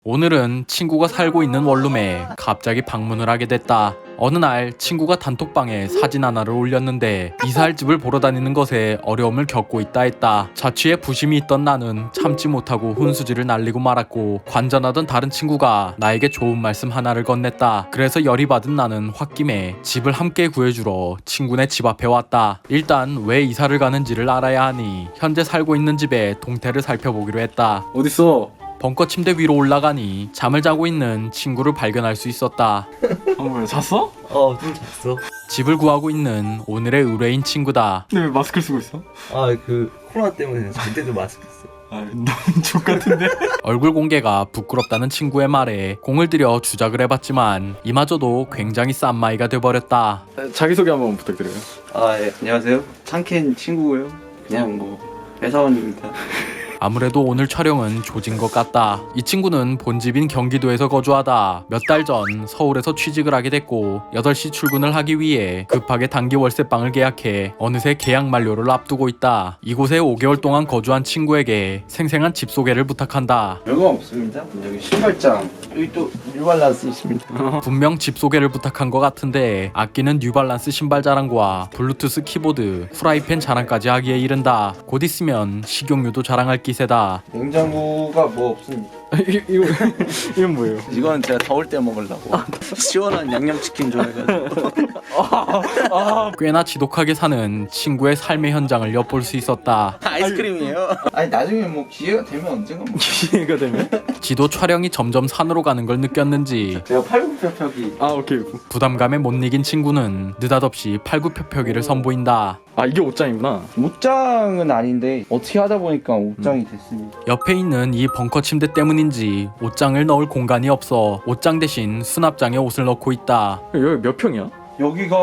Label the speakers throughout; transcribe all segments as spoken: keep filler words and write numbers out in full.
Speaker 1: 오늘은 친구가 살고 있는 원룸에 갑자기 방문을 하게 됐다. 어느 날 친구가 단톡방에 사진 하나를 올렸는데 이사할 집을 보러 다니는 것에 어려움을 겪고 있다 했다. 자취에 부심이 있던 나는 참지 못하고 훈수지를 날리고 말았고, 관전하던 다른 친구가 나에게 좋은 말씀 하나를 건넸다. 그래서 열이 받은 나는 홧김에 집을 함께 구해주러 친구네 집 앞에 왔다. 일단 왜 이사를 가는지를 알아야 하니 현재 살고 있는 집의 동태를 살펴보기로 했다.
Speaker 2: 어딨어?
Speaker 1: 벙커 침대 위로 올라가니 잠을 자고 있는 친구를 발견할 수 있었다.
Speaker 2: 어 뭐야, 잤어?
Speaker 3: 어, 좀 잤어.
Speaker 1: 집을 구하고 있는 오늘의 의뢰인 친구다.
Speaker 2: 근데 왜 마스크를 쓰고 있어?
Speaker 3: 아, 그 코로나 때문에 잘 때도 마스크 써.
Speaker 2: 아, 너무 족같은데?
Speaker 1: 얼굴 공개가 부끄럽다는 친구의 말에 공을 들여 주작을 해봤지만 이마저도 굉장히 싼 마이가 돼버렸다.
Speaker 2: 자기소개 한번 부탁드려요.
Speaker 4: 아, 예, 안녕하세요. 창캔 친구고요. 그냥 뭐 회사원입니다.
Speaker 1: 아무래도 오늘 촬영은 조진 것 같다. 이 친구는 본집인 경기도에서 거주하다 몇 달 전 서울에서 취직을 하게 됐고 여덟 시 출근을 하기 위해 급하게 단기 월세방을 계약해 어느새 계약 만료를 앞두고 있다. 이곳에 오 개월 동안 거주한 친구에게 생생한 집 소개를 부탁한다.
Speaker 4: 별거 없습니다. 여기 신발장, 여기 또 뉴발란스 있습니다.
Speaker 1: 분명 집 소개를 부탁한 것 같은데 아끼는 뉴발란스 신발 자랑과 블루투스 키보드, 프라이팬 자랑까지 하기에 이른다. 곧 있으면 식용유도 자랑할 기세다.
Speaker 4: 냉장고가 뭐 없습니다.
Speaker 2: 이, 이거, 이건 뭐예요?
Speaker 4: 이건 제가 더울 때 먹으려고 시원한 양념치킨 좋아해가지고.
Speaker 1: 꽤나 지독하게 사는 친구의 삶의 현장을 엿볼 수 있었다.
Speaker 4: 아이스크림이에요? 아니 나중에 뭐 기회가 되면 언젠가 뭐.
Speaker 2: 기회가 되면?
Speaker 1: 지도 촬영이 점점 산으로 가는 걸 느꼈는지
Speaker 4: 제가 팔굽혀펴기
Speaker 2: 아, 오케이.
Speaker 1: 부담감에 못 이긴 친구는 느닷없이 팔굽혀펴기를 선보인다.
Speaker 2: 아, 이게 옷장이구나.
Speaker 4: 옷장은 아닌데 어떻게 하다 보니까 옷장이 됐습니다.
Speaker 1: 옆에 있는 이 벙커 침대 때문인지 옷장을 넣을 공간이 없어 옷장 대신 수납장에 옷을 넣고 있다.
Speaker 2: 여기 몇 평이야?
Speaker 4: 여기가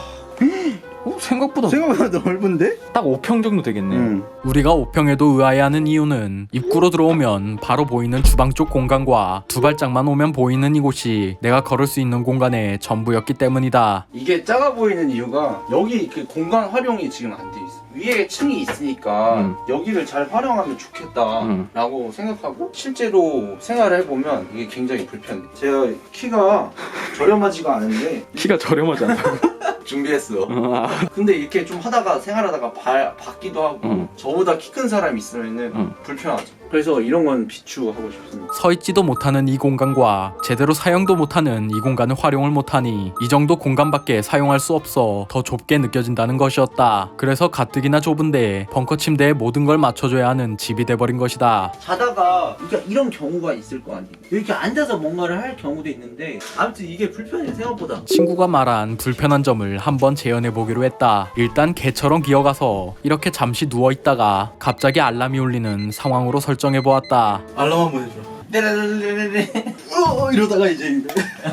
Speaker 2: 어, 생각보다
Speaker 4: 생각보다 넓은데?
Speaker 2: 딱 오 평 정도 되겠네.
Speaker 4: 응.
Speaker 1: 우리가 오 평에도 의아해하는 이유는 입구로 들어오면 바로 보이는 주방 쪽 공간과 두 발짝만 오면 보이는 이곳이 내가 걸을 수 있는 공간의 전부였기 때문이다.
Speaker 4: 이게 작아 보이는 이유가 여기 그 공간 활용이 지금 안 돼 있어. 위에 층이 있으니까
Speaker 2: 음.
Speaker 4: 여기를 잘 활용하면 좋겠다라고
Speaker 2: 음.
Speaker 4: 생각하고 실제로 생활을 해보면 이게 굉장히 불편해. 제가 키가 저렴하지가 않은데
Speaker 2: 키가 저렴하지 않다고?
Speaker 4: 준비했어.
Speaker 2: 아,
Speaker 4: 근데 이렇게 좀 하다가 생활하다가 발 받기도 하고
Speaker 2: 음.
Speaker 4: 저보다 키 큰 사람이 있으면은
Speaker 2: 음.
Speaker 4: 불편하죠. 그래서 이런 건 비추하고 싶습니다.
Speaker 1: 서 있지도 못하는 이 공간과 제대로 사용도 못하는 이 공간을 활용을 못하니 이 정도 공간밖에 사용할 수 없어 더 좁게 느껴진다는 것이었다. 그래서 가뜩이나 좁은데 벙커 침대에 모든 걸 맞춰줘야 하는 집이 돼버린 것이다.
Speaker 4: 자다가 그러니까 이런 경우가 있을 거 아니에요. 이렇게 앉아서 뭔가를 할 경우도 있는데 아무튼 이게 불편해 생각보다.
Speaker 1: 친구가 말한 불편한 점을 한번 재현해보기로 했다. 일단 개처럼 기어가서 이렇게 잠시 누워있다가 갑자기 알람이 울리는 상황으로 설정해보았다.
Speaker 4: 알람 한번 해줘. 네네네네네. 어 이러다가 이제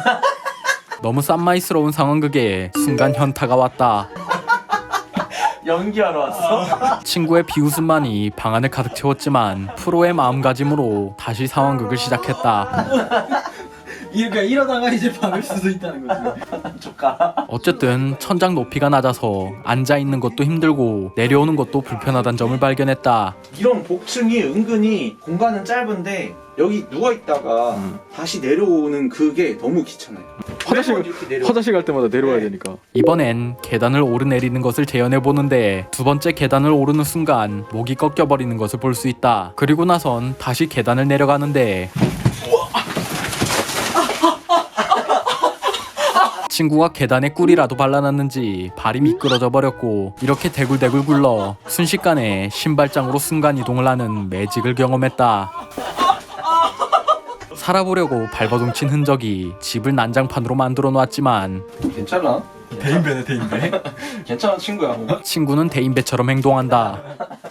Speaker 1: 너무 쌈마이스러운 상황극에 순간 현타가 왔다.
Speaker 4: 연기하러 왔어.
Speaker 1: 친구의 비웃음만이 방 안을 가득 채웠지만 프로의 마음가짐으로 다시 상황극을 시작했다.
Speaker 4: 그러니까 이러다가 이제 박을 수도 있다는 거지. 조카.
Speaker 1: 어쨌든 천장 높이가 낮아서 앉아있는 것도 힘들고 내려오는 것도 불편하다는 점을 발견했다.
Speaker 4: 이런 복층이 은근히 공간은 짧은데 여기 누워 있다가
Speaker 2: 음.
Speaker 4: 다시 내려오는 그게 너무 귀찮아요.
Speaker 2: 화장실,
Speaker 4: 매번 이렇게 내려.
Speaker 2: 화장실 갈 때마다 내려와야
Speaker 4: 네.
Speaker 2: 되니까.
Speaker 1: 이번엔 계단을 오르내리는 것을 재현해보는데 두 번째 계단을 오르는 순간 목이 꺾여버리는 것을 볼 수 있다. 그리고 나선 다시 계단을 내려가는데 친구가 계단에 꿀이라도 발라놨는지 발이 미끄러져 버렸고 이렇게 대굴대굴 굴러 순식간에 신발장으로 순간이동을 하는 매직을 경험했다. 살아보려고 발버둥친 흔적이 집을 난장판으로 만들어 놨지만
Speaker 4: 괜찮아?
Speaker 2: 대인배네, 대인배.
Speaker 4: 괜찮아 친구야. 뭐.
Speaker 1: 친구는 대인배처럼 행동한다.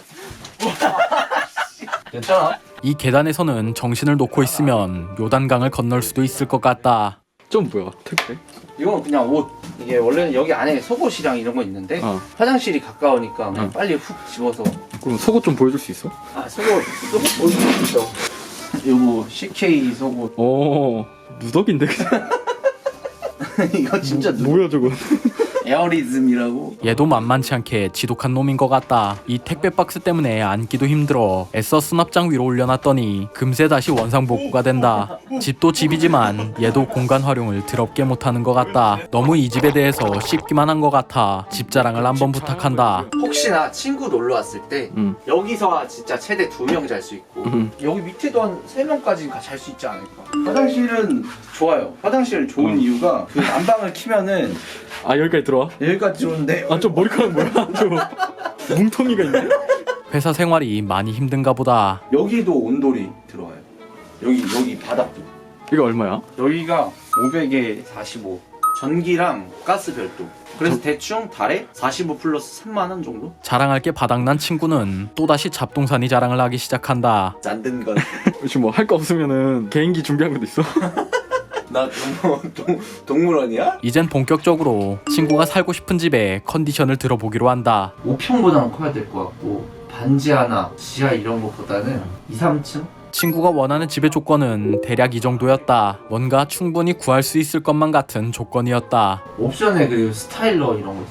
Speaker 4: 괜찮아?
Speaker 1: 이 계단에서는 정신을 놓고 있으면 요단강을 건널 수도 있을 것 같다.
Speaker 2: 좀 뭐야, 특배?
Speaker 4: 이건 그냥 옷. 이게 원래는 여기 안에 속옷이랑 이런 거 있는데
Speaker 2: 어.
Speaker 4: 화장실이 가까우니까 그냥
Speaker 2: 어.
Speaker 4: 빨리 훅 집어서.
Speaker 2: 그럼 속옷 좀 보여줄 수 있어?
Speaker 4: 아 속옷 속옷 보여줄 수 있어. 요거 씨케이 속옷.
Speaker 2: 오, 누더기인데 그냥.
Speaker 4: 이거 진짜 누...
Speaker 2: 뭐야 저거?
Speaker 4: 에어리즘이라고.
Speaker 1: 얘도 만만치 않게 지독한 놈인 것 같다. 이 택배 박스 때문에 앉기도 힘들어 애써 수납장 위로 올려놨더니 금세 다시 원상복구가 된다. 집도 집이지만 얘도 공간 활용을 더럽게 못하는 것 같다. 너무 이 집에 대해서 씹기만 한 것 같아. 집 자랑을 한번 부탁한다.
Speaker 4: 혹시나 친구 놀러 왔을 때
Speaker 2: 응.
Speaker 4: 여기서 진짜 최대 두 명 잘 수 있고
Speaker 2: 응.
Speaker 4: 여기 밑에도 한 세 명까지 잘 수 있지 않을까. 화장실은 좋아요. 화장실 좋은
Speaker 2: 응.
Speaker 4: 이유가 그 난방을 키면은
Speaker 2: 아 여기까지 들어와?
Speaker 4: 여기까지 들어오는데
Speaker 2: 아 저 머리카락 뭐야? 저 뭉텅이가 있네?
Speaker 1: 회사 생활이 많이 힘든가 보다.
Speaker 4: 여기도 온돌이 들어와요. 여기 여기 바닥도.
Speaker 2: 이거 얼마야?
Speaker 4: 여기가 오백에 사십오. 전기랑 가스 별도. 그래서 대충 달에 사십오 플러스 삼만 원 정도?
Speaker 1: 자랑할 게 바닥난 친구는 또다시 잡동사니 자랑을 하기 시작한다.
Speaker 4: 만든 건.
Speaker 2: 지금 뭐 할 거 없으면은 개인기 준비한 것도 있어?
Speaker 4: 나 동, 동, 동물원이야?
Speaker 1: 이젠 본격적으로 친구가 살고 싶은 집의 컨디션을 들어보기로 한다.
Speaker 4: 오 평보다는 커야 될 것 같고 반지 하나, 지하 이런 것보다는 이, 삼 층?
Speaker 1: 친구가 원하는 집의 조건은 대략 이 정도였다. 뭔가 충분히 구할 수 있을 것만 같은 조건이었다.
Speaker 4: 옵션에 그리고 스타일러 이런 거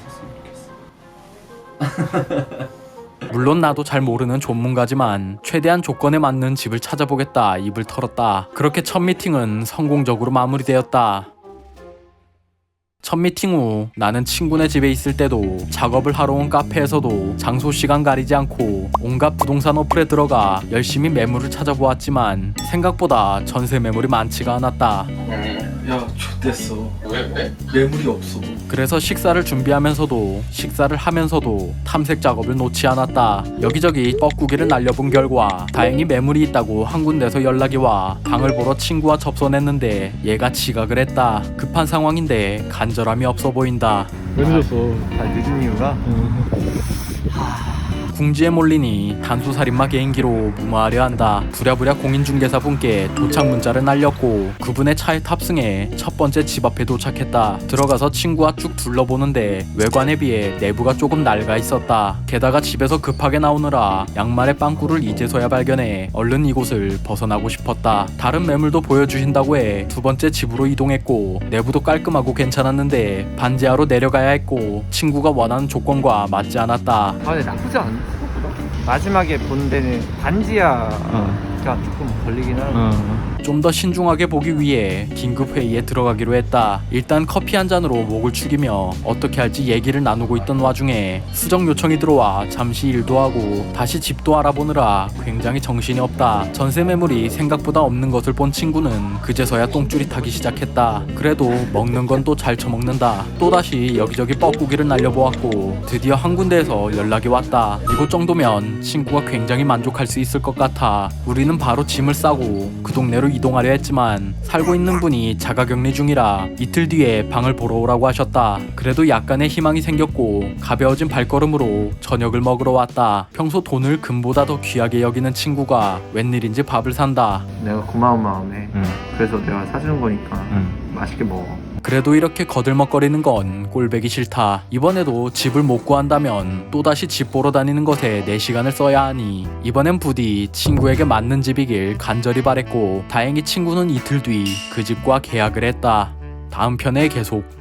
Speaker 4: 있었으면 좋겠어.
Speaker 1: 물론 나도 잘 모르는 전문가지만 최대한 조건에 맞는 집을 찾아보겠다 입을 털었다. 그렇게 첫 미팅은 성공적으로 마무리되었다. 첫 미팅 후 나는 친구네 집에 있을 때도 작업을 하러 온 카페에서도 장소 시간 가리지 않고 온갖 부동산 어플에 들어가 열심히 매물을 찾아보았지만 생각보다 전세 매물이 많지가 않았다.
Speaker 2: 야 X됐어.
Speaker 4: 왜 왜?
Speaker 2: 매물이 없어.
Speaker 1: 그래서 식사를 준비하면서도 식사를 하면서도 탐색 작업을 놓지 않았다. 여기저기 뻐꾸기를 날려본 결과 다행히 매물이 있다고 한 군데서 연락이 와 방을 보러 친구와 접선했는데 얘가 지각을 했다. 급한 상황인데 간절함이 없어 보인다.
Speaker 2: 왜 늦었어?
Speaker 3: 다 늦은 이유가
Speaker 1: 궁지에 몰리니 단수살인마 개인기로 무마하려 한다. 부랴부랴 공인중개사분께 도착 문자를 날렸고 그분의 차에 탑승해 첫 번째 집 앞에 도착했다. 들어가서 친구와 쭉 둘러보는데 외관에 비해 내부가 조금 낡아 있었다. 게다가 집에서 급하게 나오느라 양말의 빵꾸를 이제서야 발견해 얼른 이곳을 벗어나고 싶었다. 다른 매물도 보여주신다고 해 두 번째 집으로 이동했고 내부도 깔끔하고 괜찮았는데 반지하로 내려가야 했고 친구가 원하는 조건과 맞지 않았다.
Speaker 3: 아 근데 나쁘지 않은 생각보다. 마지막에 본 데는 반지하가 조금 걸리긴 하는데
Speaker 1: 좀 더 신중하게 보기 위해 긴급 회의에 들어가기로 했다. 일단 커피 한 잔으로 목을 축이며 어떻게 할지 얘기를 나누고 있던 와중에 수정 요청이 들어와 잠시 일도 하고 다시 집도 알아보느라 굉장히 정신이 없다. 전세 매물이 생각보다 없는 것을 본 친구는 그제서야 똥줄이 타기 시작했다. 그래도 먹는 건 또 잘 처먹는다. 또다시 여기저기 뻐꾸기를 날려보았고 드디어 한 군데에서 연락이 왔다. 이곳 정도면 친구가 굉장히 만족할 수 있을 것 같아 우리는 바로 짐을 싸고 그 동네로 이동하려 했지만 살고 있는 분이 자가격리 중이라 이틀 뒤에 방을 보러 오라고 하셨다. 그래도 약간의 희망이 생겼고 가벼워진 발걸음으로 저녁을 먹으러 왔다. 평소 돈을 금보다 더 귀하게 여기는 친구가 웬일인지 밥을 산다.
Speaker 3: 내가 고마운 마음에
Speaker 2: 응.
Speaker 3: 그래서 내가 사주는 거니까
Speaker 2: 응.
Speaker 3: 맛있게 먹어.
Speaker 1: 그래도 이렇게 거들먹거리는 건 꼴배기 싫다. 이번에도 집을 못 구한다면 또다시 집 보러 다니는 것에 내 시간을 써야 하니 이번엔 부디 친구에게 맞는 집이길 간절히 바랬고 다행히 친구는 이틀 뒤 그 집과 계약을 했다. 다음 편에 계속.